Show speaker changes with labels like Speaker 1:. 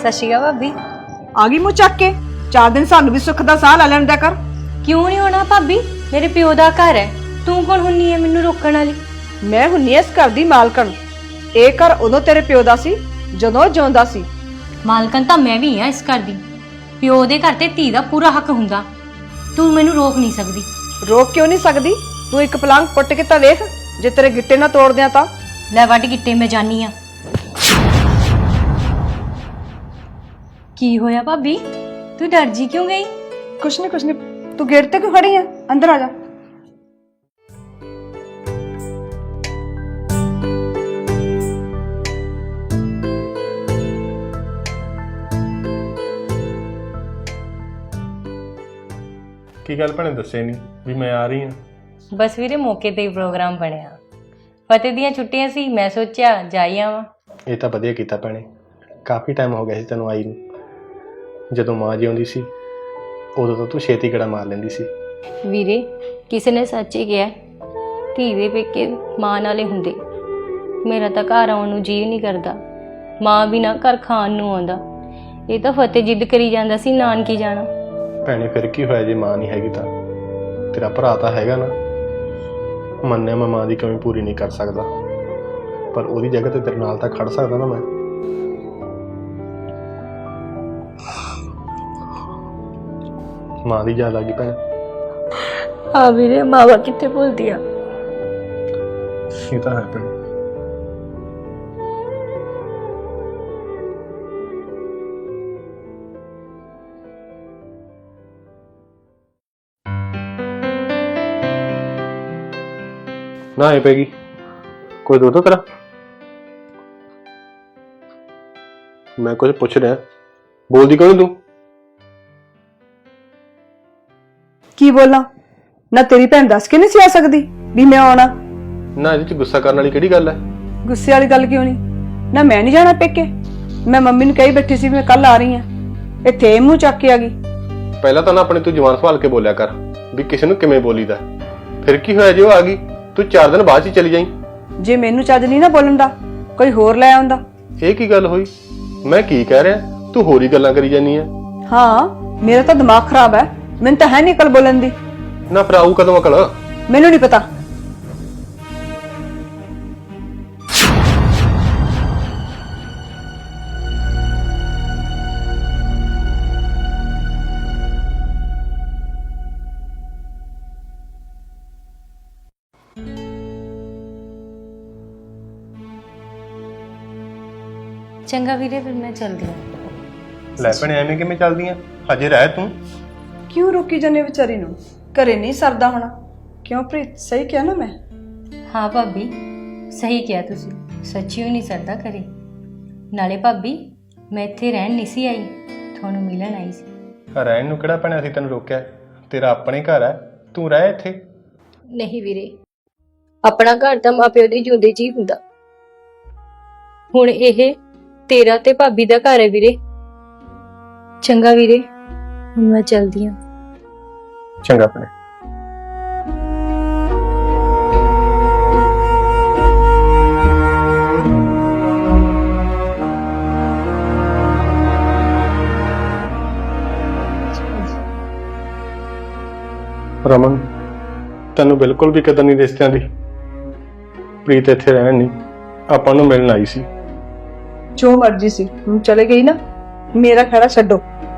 Speaker 1: ਸਤਿ ਸ਼੍ਰੀ ਅਕਾਲ ਭਾਬੀ।
Speaker 2: ਆ ਗਈ ਮੂੰਹ ਚੱਕ ਕੇ 4 ਦਿਨ ਸਾਨੂੰ ਵੀ ਸੁੱਖ ਦਾ ਸਾਹ ਲੈ ਲੈਣ ਦਿਆ ਕਰ।
Speaker 1: ਕਿਉਂ ਨਹੀਂ ਹੋਣਾ ਭਾਬੀ, ਮੇਰੇ ਪਿਓ ਦਾ ਘਰ ਹੈ। ਤੂੰ ਕੌਣ ਹੁੰਨੀ ਹੈ ਮੈਨੂੰ ਰੋਕਣ ਵਾਲੀ?
Speaker 2: ਮੈਂ ਹੁੰਨੀ ਇਸ ਘਰ ਦੀ ਮਾਲਕਣ। ਇਹ ਘਰ ਉਦੋਂ ਤੇਰੇ ਪਿਓ ਦਾ ਸੀ ਜਦੋਂ ਜਿਉਂਦਾ ਸੀ।
Speaker 1: ਮਾਲਕਨ ਤਾਂ ਮੈਂ ਵੀ ਹਾਂ ਇਸ ਘਰ ਦੀ। ਪਿਓ ਦੇ ਘਰ ਤੇ ਧੀ ਦਾ ਪੂਰਾ ਹੱਕ ਹੁੰਦਾ। ਤੂੰ ਮੈਨੂੰ ਰੋਕ ਨਹੀਂ ਸਕਦੀ।
Speaker 2: ਰੋਕ ਕਿਉਂ ਨਹੀਂ ਸਕਦੀ? ਤੂੰ ਇੱਕ ਪਲੰਗ ਪੁੱਟ ਕੇ ਤਾਂ ਵੇਖ, ਜੇ ਤੇਰੇ ਗਿੱਟੇ ਨਾ ਤੋੜ ਦਿਆਂ ਤਾਂ।
Speaker 1: ਲੈ ਵੱਢ ਗਿੱਟੇ, ਮੈਂ ਜਾਨੀ ਆ। ਕੀ ਹੋਇਆ ਭਾਬੀ, ਤੂੰ ਡਰ ਜੀ ਕਿਉਂ ਗਈ?
Speaker 2: ਕੁਛ ਨਹੀਂ ਤੂੰ ਗੇਟ ਤੇ ਕਿਉਂ ਖੜੀ ਆ? ਅੰਦਰ ਆ ਜਾ।
Speaker 3: ਕੀ ਗੱਲ ਭੈਣੇ ਦੱਸੇ ਨਹੀਂ ਵੀ ਮੈਂ ਆ ਰਹੀ ਹਾਂ?
Speaker 1: ਬਸ ਵੀਰੇ ਮੌਕੇ ਤੇ ਹੀ ਪ੍ਰੋਗਰਾਮ ਬਣਿਆ। ਫਤਿਹ ਦੀਆਂ ਛੁੱਟੀਆਂ ਸੀ, ਮੈਂ ਸੋਚਿਆ ਜਾਈ ਆਵਾਂ।
Speaker 3: ਇਹ ਤਾਂ ਵਧੀਆ ਕੀਤਾ ਭੈਣੇ, ਕਾਫੀ ਟਾਈਮ ਹੋ ਗਿਆ ਸੀ ਤੈਨੂੰ ਆਈ ਨੂੰ। ਜਦੋਂ ਮਾਂ ਜਿਉਂਦੀ ਸੀ ਉਦੋਂ ਤਾਂ ਤੂੰ ਛੇਤੀ ਗੇੜਾ ਮਾਰ ਲੈਂਦੀ ਸੀ।
Speaker 1: ਵੀਰੇ ਕਿਸੇ ਨੇ ਸੱਚ ਹੀ ਕਿਹਾ, ਧੀ ਦੇ ਪੇਕੇ ਮਾਂ ਨਾਲੇ ਹੁੰਦੇ। ਮੇਰਾ ਤਾਂ ਘਰ ਆਉਣ ਨੂੰ ਜੀਅ ਨਹੀਂ ਕਰਦਾ, ਮਾਂ ਬਿਨਾਂ ਘਰ ਖਾਣ ਨੂੰ ਆਉਂਦਾ। ਇਹ ਤਾਂ ਫਤਿਹ ਜਿੱਦ ਕਰੀ ਜਾਂਦਾ ਸੀ ਨਾਨਕੀ ਜਾਣਾ।
Speaker 3: ਭੈਣੇ ਫਿਰ ਕੀ ਹੋਇਆ ਜੇ ਮਾਂ ਨਹੀਂ ਹੈਗੀ ਤਾਂ? ਤੇਰਾ ਭਰਾ ਤਾਂ ਹੈਗਾ ਨਾ। ਮੰਨਿਆ ਮੈਂ ਮਾਂ ਦੀ ਕਮੀ ਪੂਰੀ ਨਹੀਂ ਕਰ ਸਕਦਾ, ਪਰ ਉਹਦੀ ਜਗ੍ਹਾ ਤੇ ਤੇਰੇ ਨਾਲ ਤਾਂ ਖੜ ਸਕਦਾ ਨਾ ਮੈਂ। ਮਾਂ ਦੀ ਯਾਦ ਆ ਗਈ ਭੈਣੇ?
Speaker 1: ਹਾਂ ਵੀਰੇ, ਮਾਵਾ ਕਿੱਥੇ ਭੁੱਲਦੀ ਆ।
Speaker 3: ਇਹ ਤਾਂ ਹੈ ਭੈਣੇ। ਨਾ ਇਹ ਪੈਗੀ ਕੋਈ ਦੁੱਧ ਤੇਰਾ? ਮੈਂ ਕੁਝ ਪੁੱਛ ਰਿਹਾ, ਬੋਲਦੀ ਕਿਉਂ ਤੂੰ?
Speaker 2: ਕੀ ਬੋਲਾਂ ਨਾ? ਤੇਰੀ ਭੈਣ ਦੱਸ ਕੇ ਨਹੀਂ ਸੀ ਆ ਸਕਦੀ ਵੀ ਮੈਂ ਆਉਣਾ?
Speaker 3: ਨਾ ਇਹਦੇ ਚ ਗੁੱਸਾ ਕਰਨ ਵਾਲੀ ਕਿਹੜੀ ਗੱਲ ਹੈ?
Speaker 2: ਗੁੱਸੇ ਵਾਲੀ ਗੱਲ ਕਿਉਂ ਨਹੀਂ? ਨਾ ਮੈਂ ਨਹੀਂ ਜਾਣਾ ਪੇਕੇ। ਮੈਂ ਮੰਮੀ ਨੂੰ ਕਹੀ ਬੈਠੀ ਸੀ ਵੀ ਮੈਂ ਕੱਲ ਆ ਰਹੀ ਹਾਂ, ਇੱਥੇ ਮੂੰਹ ਚੱਕ ਕੇ ਆ ਗਈ।
Speaker 3: ਪਹਿਲਾਂ ਤਾਂ ਨਾ ਆਪਣੇ ਤੂੰ ਜਵਾਨ ਸੰਭਾਲ ਕੇ ਬੋਲਿਆ ਕਰ ਵੀ ਕਿਸੇ ਨੂੰ ਕਿਵੇਂ ਬੋਲੀਦਾ। ਫਿਰ ਕੀ ਹੋਇਆ ਜੇ ਉਹ ਆ ਗਈ? ਤੂੰ 4 ਦਿਨ ਬਾਅਦ ਹੀ ਚਲੀ ਜਾਈਂ।
Speaker 2: ਜੇ ਮੈਨੂੰ ਚੱਜ ਨਹੀਂ ਨਾ ਬੋਲਣ ਦਾ, ਕੋਈ ਹੋਰ ਲੈ ਆਉਂਦਾ।
Speaker 3: ਇਹ ਕੀ ਗੱਲ ਹੋਈ? ਮੈਂ ਕੀ ਕਹਿ ਰਿਹਾ, ਤੂੰ ਹੋਰ ਹੀ ਗੱਲਾਂ ਕਰੀ ਜਾਨੀ ਆ।
Speaker 2: ਹਾਂ, ਮੇਰਾ ਤਾਂ ਦਿਮਾਗ ਖਰਾਬ ਹੈ, ਮੈਨੂੰ ਤਾਂ ਹੈ ਨਹੀਂ ਅਕਲ ਬੋਲਣ ਦੀ।
Speaker 3: ਨਾ ਫਿਰ ਆਊ ਕਦੋਂ ਅਕਲ?
Speaker 2: ਮੈਨੂੰ ਨਹੀਂ ਪਤਾ।
Speaker 1: ਚੰਗਾ ਵੀਰੇ, ਫਿਰ ਮੈਂ ਚੱਲਦੀ ਹਾਂ।
Speaker 3: ਲੈ ਭੈਣੇ ਐਵੇਂ ਕਿਵੇਂ ਚੱਲਦੀਆਂ? ਹਜੇ ਰਹਿ ਤੂੰ।
Speaker 2: ਕਿਉਂ ਰੋਕੀ ਜਾਂਦੇ ਵਿਚਾਰੀ ਨੂੰ? ਘਰੇ ਨਹੀਂ ਸਰਦਾ ਹੋਣਾ? ਕਿਉਂ ਪ੍ਰੀਤ, ਸਹੀ ਕਿਹਾ ਨਾ ਮੈਂ?
Speaker 1: ਹਾਂ ਭਾਬੀ, ਸਹੀ ਕਿਹਾ ਤੁਸੀਂ। ਸੱਚੀ ਨਹੀਂ ਸਰਦਾ ਕਰੇ। ਨਾਲੇ ਭਾਬੀ, ਮੈਂ ਇੱਥੇ ਰਹਿਣ ਨਹੀਂ ਸੀ ਆਈ, ਤੁਹਾਨੂੰ ਮਿਲਣ ਆਈ ਸੀ।
Speaker 3: ਰਹਿਣ ਨੂੰ ਕਿਹੜਾ ਭੈਣੇ ਅਸੀਂ ਤੈਨੂੰ ਰੋਕਿਆ? ਤੇਰਾ ਆਪਣੇ ਘਰ ਹੈ, ਤੂੰ ਰਹਿ ਇੱਥੇ।
Speaker 1: ਨਹੀਂ ਵੀਰੇ, ਆਪਣਾ ਘਰ ਤਾਂ ਮਾਪਿਓ ਦੇ ਜਿਉਂਦੇ ਜੀ ਹੁੰਦਾ। ਹੁਣ ਇਹ ਤੇਰਾ ਤੇ ਭਾਬੀ ਦਾ ਘਰ ਹੈ ਵੀਰੇ। ਚੰਗਾ ਵੀਰੇ, ਹੁਣ ਮੈਂ ਚੱਲਦੀ ਹਾਂ।
Speaker 3: ਚੰਗਾ ਭੈਣੇ। ਰਮਨ, ਤੈਨੂੰ ਬਿਲਕੁਲ ਵੀ ਕਦਰ ਨਹੀਂ ਰਿਸ਼ਤਿਆਂ ਦੀ। ਪ੍ਰੀਤ ਇੱਥੇ ਰਹਿਣ ਨਹੀਂ, ਆਪਾਂ ਨੂੰ ਮਿਲਣ ਆਈ ਸੀ।
Speaker 2: ਜੋ ਮਰਜ਼ੀ ਸੀ, ਹੁਣ ਚਲੇ ਗਈ ਨਾ, ਮੇਰਾ ਖੜਾ ਛੱਡੋ।